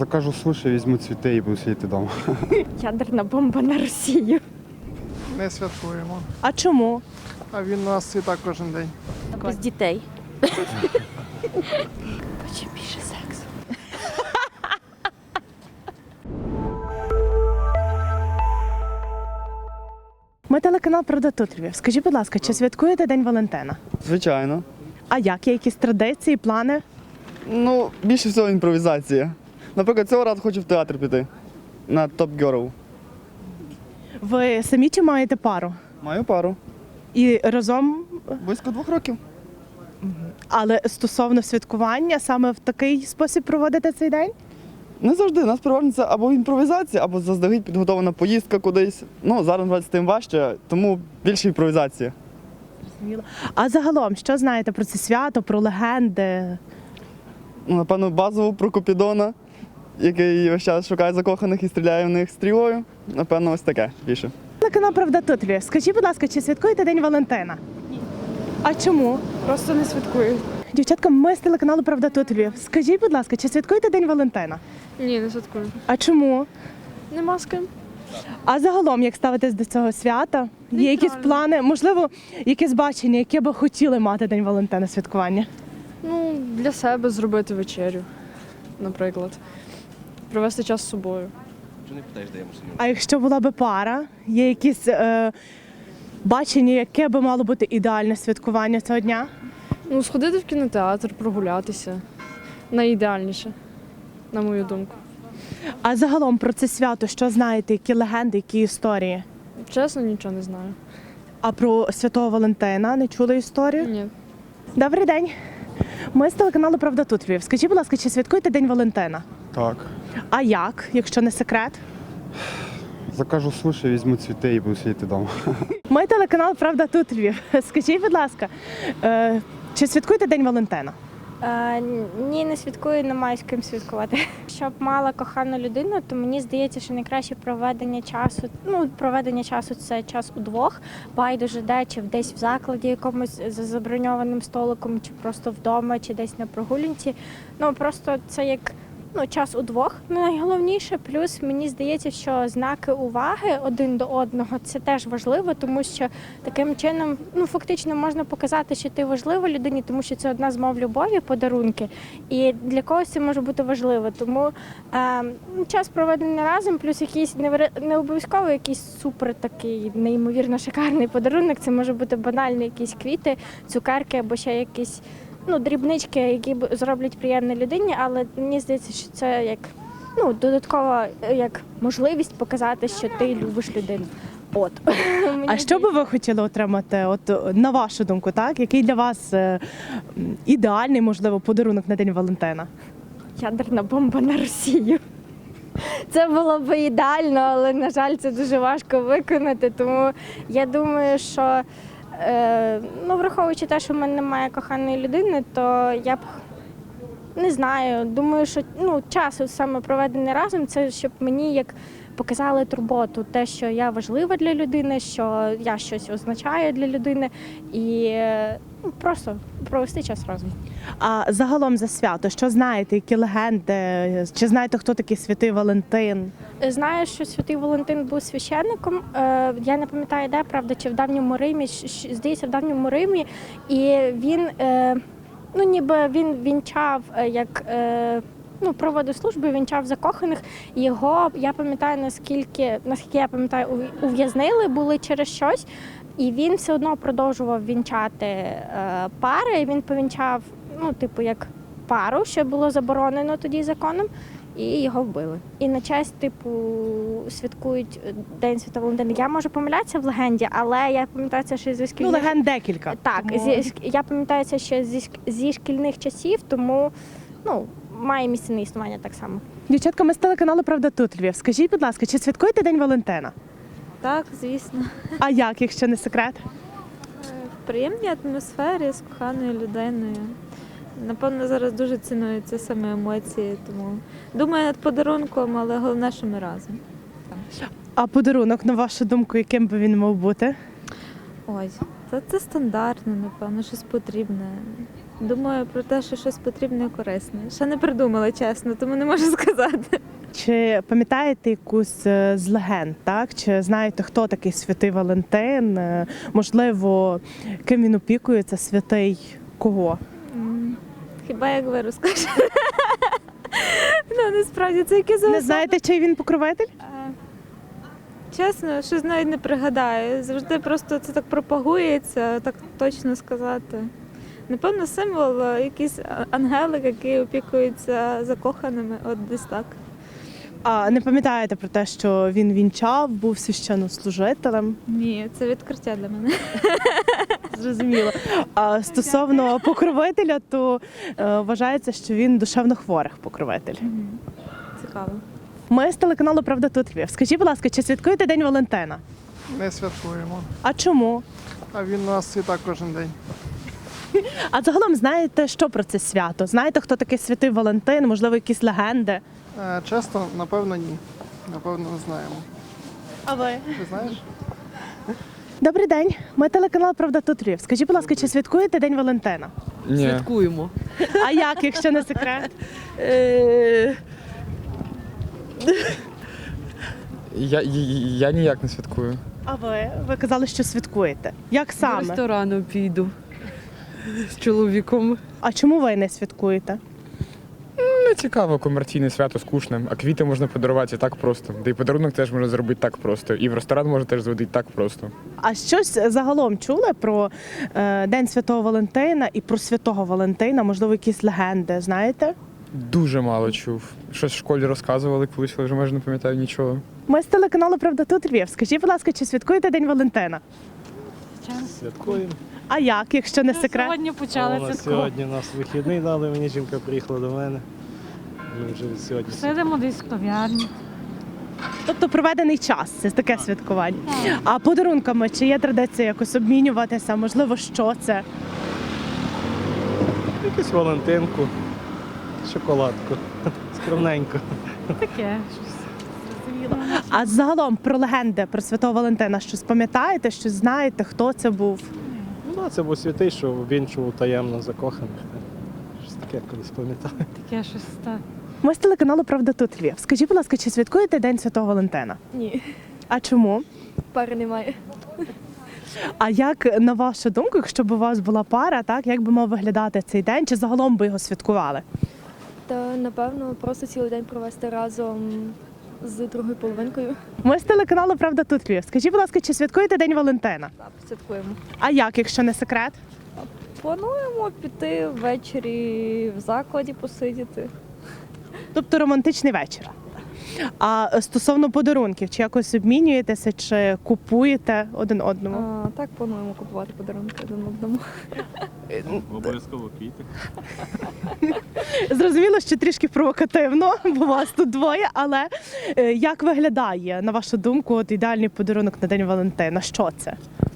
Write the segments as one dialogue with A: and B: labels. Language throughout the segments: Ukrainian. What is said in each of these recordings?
A: Закажу суші, візьму цвіти і буду сидіти вдома.
B: Ядерна бомба на Росію.
C: Не святкуємо.
D: А чому?
C: А він у нас цвіта кожен день.
B: Без дітей. Хоче більше сексу.
D: Ми телеканал «Правда тут Львів». Скажіть, будь ласка, чи святкуєте День Валентина?
E: Звичайно.
D: А як? Є якісь традиції, плани?
E: Ну, більше всього імпровізація. Наприклад, цього разу хочу в театр піти на Top Girl.
D: Ви самі чи маєте пару?
E: Маю пару.
D: І разом,
E: Близько 2 років.
D: але стосовно святкування, саме в такий спосіб проводите цей день?
E: Не завжди. У нас переважно це або імпровізація, або заздалегідь підготовлена поїздка кудись. Ну, зараз насправді, тим важче, тому більше імпровізація.
D: А загалом, що знаєте про це свято, про легенди?
E: Ну, напевно, базово про Купідона, який весь час шукає закоханих і стріляє в них стрілою. Напевно, ось таке більше.
D: Телеканал «Правда тут Львів». Скажіть, будь ласка, чи святкуєте День Валентина? Ні. А чому?
B: Просто не святкую.
D: Дівчатка, ми з телеканалу «Правда тут Львів». Скажіть, будь ласка, чи святкуєте День Валентина?
B: Ні, не святкую.
D: А чому?
B: Нема з ким.
D: А загалом, як ставитесь до цього свята? Є якісь плани, можливо, якесь бачення, яке би хотіли мати День Валентина святкування?
F: Ну, для себе зробити вечерю, наприклад. Провести час з собою.
D: А якщо була би пара, є якісь бачення, яке би мало бути ідеальне святкування цього дня?
F: Ну, сходити в кінотеатр, прогулятися. Найідеальніше, на мою думку.
D: А загалом про це свято, що знаєте, які легенди, які історії?
F: Чесно, нічого не знаю.
D: А про Святого Валентина не чули історію?
F: Ні.
D: Добрий день. Ми з телеканалу «Правда тут Львів». Скажіть, будь ласка, чи святкуєте День Валентина?
A: Так.
D: А як, якщо не секрет?
A: Закажу суші, візьму цвіти і буду сидіти вдома.
D: Ми телеканал «Правда тут Львів». Скажіть, будь ласка, чи святкуєте День Валентина?
B: Ні, не святкую, не маю з ким святкувати. Щоб мала кохану людину, то мені здається, що найкраще проведення часу це час удвох. Байдуже де, чи десь в закладі якомусь за заброньованим столиком, чи просто вдома, чи десь на прогулянці. Ну просто це як час удвох найголовніше. Плюс мені здається, що знаки уваги один до одного це теж важливо, тому що таким чином фактично можна показати, що ти важлива людині, тому що це одна з мов любові, подарунки. І для когось це може бути важливо. Тому час проведений разом, плюс якийсь не обов'язково якийсь супер такий неймовірно шикарний подарунок. Це може бути банальні якісь квіти, цукерки або ще якісь дрібнички, які зроблять приємне людині, але мені здається, що це як додаткова як можливість показати, що ти любиш людину. От.
D: А що би ви хотіли отримати, на вашу думку, так? Який для вас ідеальний, можливо, подарунок на День Валентина?
B: Ядерна бомба на Росію. Це було б ідеально, але, на жаль, це дуже важко виконати, тому я думаю, що враховуючи те, що в мене немає коханої людини, то я б не знаю. Думаю, що час саме проведений разом, це щоб мені як показали турботу, те, що я важлива для людини, що я щось означаю для людини і просто провести час разом.
D: А загалом за свято, що знаєте, які легенди? Чи знаєте, хто такий Святий Валентин?
B: Знаю, що Святий Валентин був священником. Я не пам'ятаю, де, правда, чи в Давньому Римі, здається, в Давньому Римі. І він, ніби він вінчав, проводив службу, вінчав закоханих. Його, я пам'ятаю, наскільки я пам'ятаю, ув'язнили були через щось. І він все одно продовжував вінчати пари. Він повінчав, як пару, що було заборонено тоді законом, і його вбили. І на честь, святкують День Святого Валентина. Я можу помилятися в легенді, але я пам'ятаю це ще зі шкільних...
D: Легенд декілька.
B: Так, я пам'ятаю це ще зі шкільних часів, тому, має місце на існування так само.
D: Дівчатка, ми з телеканалу «Правда тут Львів». Скажіть, будь ласка, чи святкуєте День Валентина?
G: Так, звісно.
D: А як, якщо не секрет?
G: В приємній атмосфері з коханою людиною. Напевно, зараз дуже цінуються саме емоції, тому думаю над подарунком, але головне, що ми разом.
D: А подарунок, на вашу думку, яким би він мав бути?
G: Ой, це стандартно, напевно, щось потрібне. Думаю про те, що щось потрібне і корисне. Ще не придумала, чесно, тому не можу сказати.
D: Чи пам'ятаєте якусь з легенд, так? Чи знаєте, хто такий святий Валентин? Можливо, ким він опікується, святий кого?
G: Хіба як ви розкажете? Ну, насправді, це якісь
D: Не знаєте, чий він покровитель?
G: Чесно, щось навіть не пригадаю. Завжди просто це так пропагується, так точно сказати. Напевно, символ, якийсь ангелик, який опікується закоханими, от десь так.
D: А не пам'ятаєте про те, що він вінчав, був священнослужителем?
G: Ні, це відкриття для мене.
D: Зрозуміло. А стосовно покровителя, то вважається, що він душевнохворих покровитель.
G: Цікаво.
D: Ми з телеканалу Правда тут Львів. Скажіть, будь ласка, чи святкуєте День Валентина?
C: Не святкуємо.
D: А чому?
C: А він у нас і так кожен день.
D: А загалом знаєте, що про це свято? Знаєте, хто такий святий Валентин? Можливо, якісь легенди?
C: Чесно, напевно, ні. Напевно, не знаємо.
D: А ви?
C: Ти знаєш?
D: Добрий день. Ми телеканал Правда тут Львів. Скажіть, будь ласка, чи святкуєте День Валентина?
H: Ні.
I: Святкуємо.
D: А як, якщо не секрет?
H: Я ніяк не святкую.
D: А ви? Ви казали, що святкуєте. Як
I: До
D: саме?
I: ресторану піду з чоловіком.
D: А чому ви не святкуєте?
H: Не цікаво, комерційне свято скучне, а квіти можна подарувати і так просто. Та й подарунок теж можна зробити так просто. І в ресторан можна теж зводити так просто.
D: А щось загалом чули про День Святого Валентина і про Святого Валентина? Можливо, якісь легенди, знаєте?
H: Дуже мало чув. Щось в школі розказували колись, але вже майже не пам'ятаю нічого.
D: Ми з телеканалу Правда тут Львів. Скажіть, будь ласка, чи святкуєте День Валентина?
J: Святкуємо.
D: А як, якщо не секрет?
K: Сьогодні почали
J: У нас
K: святкувати.
J: сьогодні нас вихідний дали, мені жінка приїхала до мене. Ми вже від сьогодні.
K: Сидимо десь в кав'ярні.
D: Тобто проведений час, це таке святкування. А подарунками, чи є традиція якось обмінюватися? Можливо, що це?
J: Якусь Валентинку, шоколадку. Скромненько.
K: Таке.
D: А загалом про легенди про Святого Валентина щось пам'ятаєте, щось знаєте, хто це був?
J: Ну, це був святий, що вінчував таємно закоханих. Щось таке колись пам'ятаю.
K: Таке щось так.
D: Ми з телеканалу Правда тут Львів. Скажіть, будь ласка, чи святкуєте День Святого Валентина?
L: Ні,
D: А чому?
L: пари немає.
D: А як, на вашу думку, якщо б у вас була пара, так як би мав виглядати цей день, чи загалом би його святкували?
L: Та напевно просто цілий день провести разом з другою половинкою.
D: Ми з телеканалу Правда тут Львів. Скажіть, будь ласка, чи святкуєте День Валентина?
L: Так, святкуємо.
D: А як, якщо не секрет?
L: Плануємо піти ввечері в закладі посидіти.
D: Тобто романтичний вечір. А стосовно подарунків, чи якось обмінюєтеся, чи купуєте один одному?
L: Так, плануємо купувати подарунки один одному.
J: Обов'язково квіти.
D: Зрозуміло, що трішки провокативно, бо вас тут двоє, але як виглядає, на вашу думку, от ідеальний подарунок на День Валентина? Що це?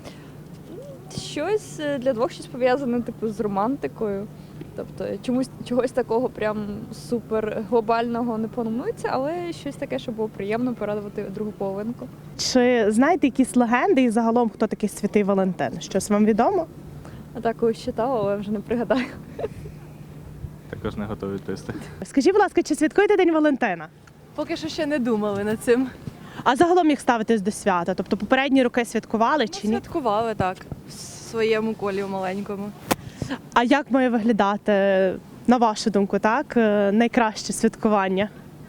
L: Щось для двох щось пов'язане типу з романтикою. Тобто чогось такого прям супер глобального не планується, але щось таке, щоб було приємно порадувати другу половинку.
D: Чи знаєте якісь легенди і загалом, хто такий Святий Валентин? Щось вам відомо?
L: А так колись читала, але вже не пригадаю.
J: Також не готові відповісти.
D: Скажіть, будь ласка, чи святкуєте День Валентина?
I: Поки що ще не думали над цим.
D: А загалом як ставитесь до свята? Тобто попередні роки святкували чи ні?
I: Святкували так, в своєму колі маленькому.
D: А як має виглядати, на вашу думку, так, найкраще святкування?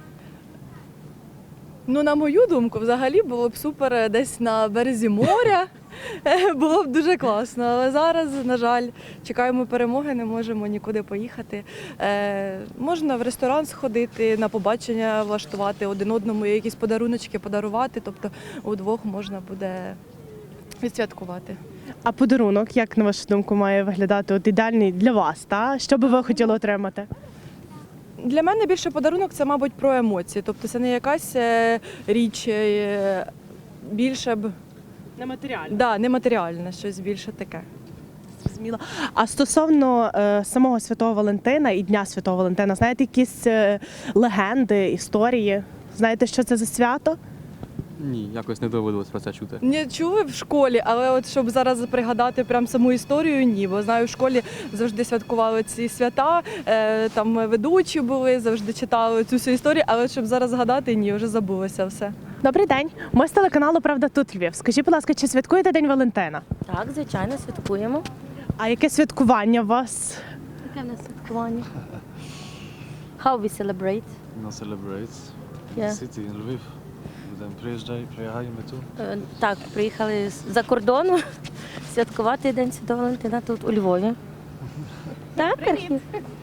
I: Ну, на мою думку, взагалі було б супер десь на березі моря. Було б дуже класно. Але зараз, на жаль, чекаємо перемоги, не можемо нікуди поїхати. Можна в ресторан сходити, на побачення влаштувати, один одному якісь подаруночки подарувати. Тобто удвох можна буде відсвяткувати.
D: А подарунок, як на вашу думку, має виглядати от ідеальний для вас? Та? Що би ви хотіли отримати?
I: Для мене більше подарунок це, мабуть, про емоції. Тобто це не якась річ, більше б
D: Нематеріально.
I: нематеріальне, щось більше таке.
D: Зрозуміло. А стосовно самого Святого Валентина і Дня Святого Валентина, знаєте якісь легенди, історії? Знаєте, що це за свято?
M: Ні, якось не доводилось про це чути.
I: Не чули в школі, але от щоб зараз пригадати прям саму історію, ні. Бо знаю, в школі завжди святкували ці свята, там ведучі були, завжди читали цю всю історію, але щоб зараз згадати, ні, вже забулося все.
D: Добрий день. Ми з телеканалу Правда тут Львів. Скажіть, будь ласка, чи святкуєте День Валентина?
N: Так, звичайно, святкуємо.
D: А яке святкування у вас?
N: Яке в нас святкування? How we celebrate?
O: No celebrates.
N: Yeah.
O: City in Lviv. Будемо приїжджаємо тут.
N: Так, приїхали з-за кордону святкувати День Святого Валентина тут у Львові. Так, Архів?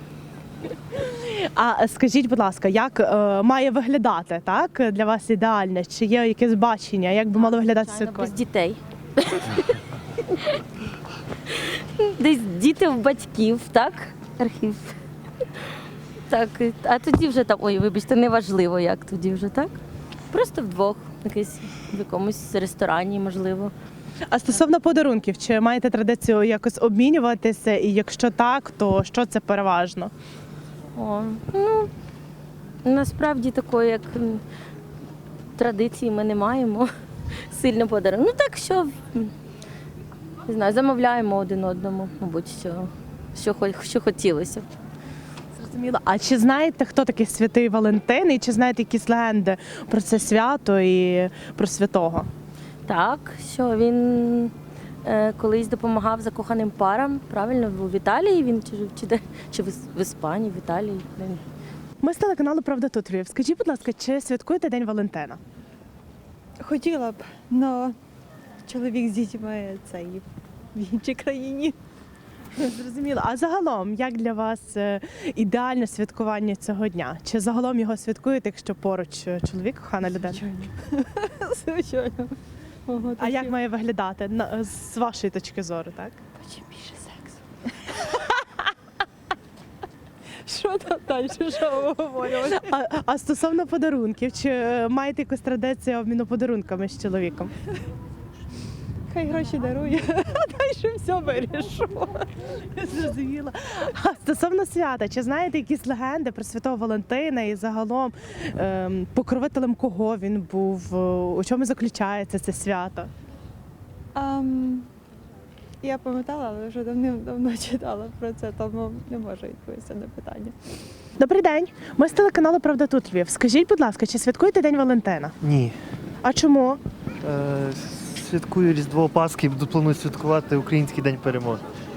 D: А скажіть, будь ласка, як має виглядати так для вас ідеальне? Чи є якесь бачення? Як би мало виглядати
N: Без
D: святкування?
N: дітей. Десь діти в батьків, так? Архів. Так, а тоді вже там, ой, вибачте, неважливо, як тоді вже, так? Просто вдвох, якийсь в якомусь ресторані, можливо.
D: А стосовно подарунків, чи маєте традицію якось обмінюватися? І якщо так, то що це переважно?
N: О, ну, насправді такої, як традиції ми не маємо сильно подарунок. Ну так, що, не знаю, замовляємо один одному, мабуть, що хотілося.
D: Зрозуміло. А чи знаєте, хто такий святий Валентин? І чи знаєте якісь легенди про це свято і про святого?
N: Так, що він колись допомагав закоханим парам, правильно, в Італії він чи в Іспанії, в Італії.
D: Ми з телеканалу Правда тут Львів. Скажіть, будь ласка, чи святкуєте День Валентина?
P: Хотіла б, але чоловік з дітьми це і в іншій країні.
D: Зрозуміло. А загалом, як для вас ідеальне святкування цього дня? Чи загалом його святкуєте, якщо поруч чоловік, кохана людина?
P: Звичайно. Ого,
D: А як має виглядати з вашої точки зору, так?
P: чим більше сексу? Що там далі? Що ви говорите?
D: А стосовно подарунків, чи маєте якусь традицію обміну подарунками з чоловіком?
P: Хай гроші дарує, а далі все вирішу.
D: Зрозуміла. А стосовно свята, чи знаєте якісь легенди про Святого Валентина і загалом покровителем кого він був? У чому заключається це свято?
P: Я пам'ятала, але вже давним-давно читала про це, тому не можу відповісти на питання.
D: Добрий день. Ми з телеканалу Правда тут Львів. Скажіть, будь ласка, чи святкуєте День Валентина?
Q: Ні.
D: А чому?
Q: Святкую Різдво Пасхи, планую святкувати Український день перемоги.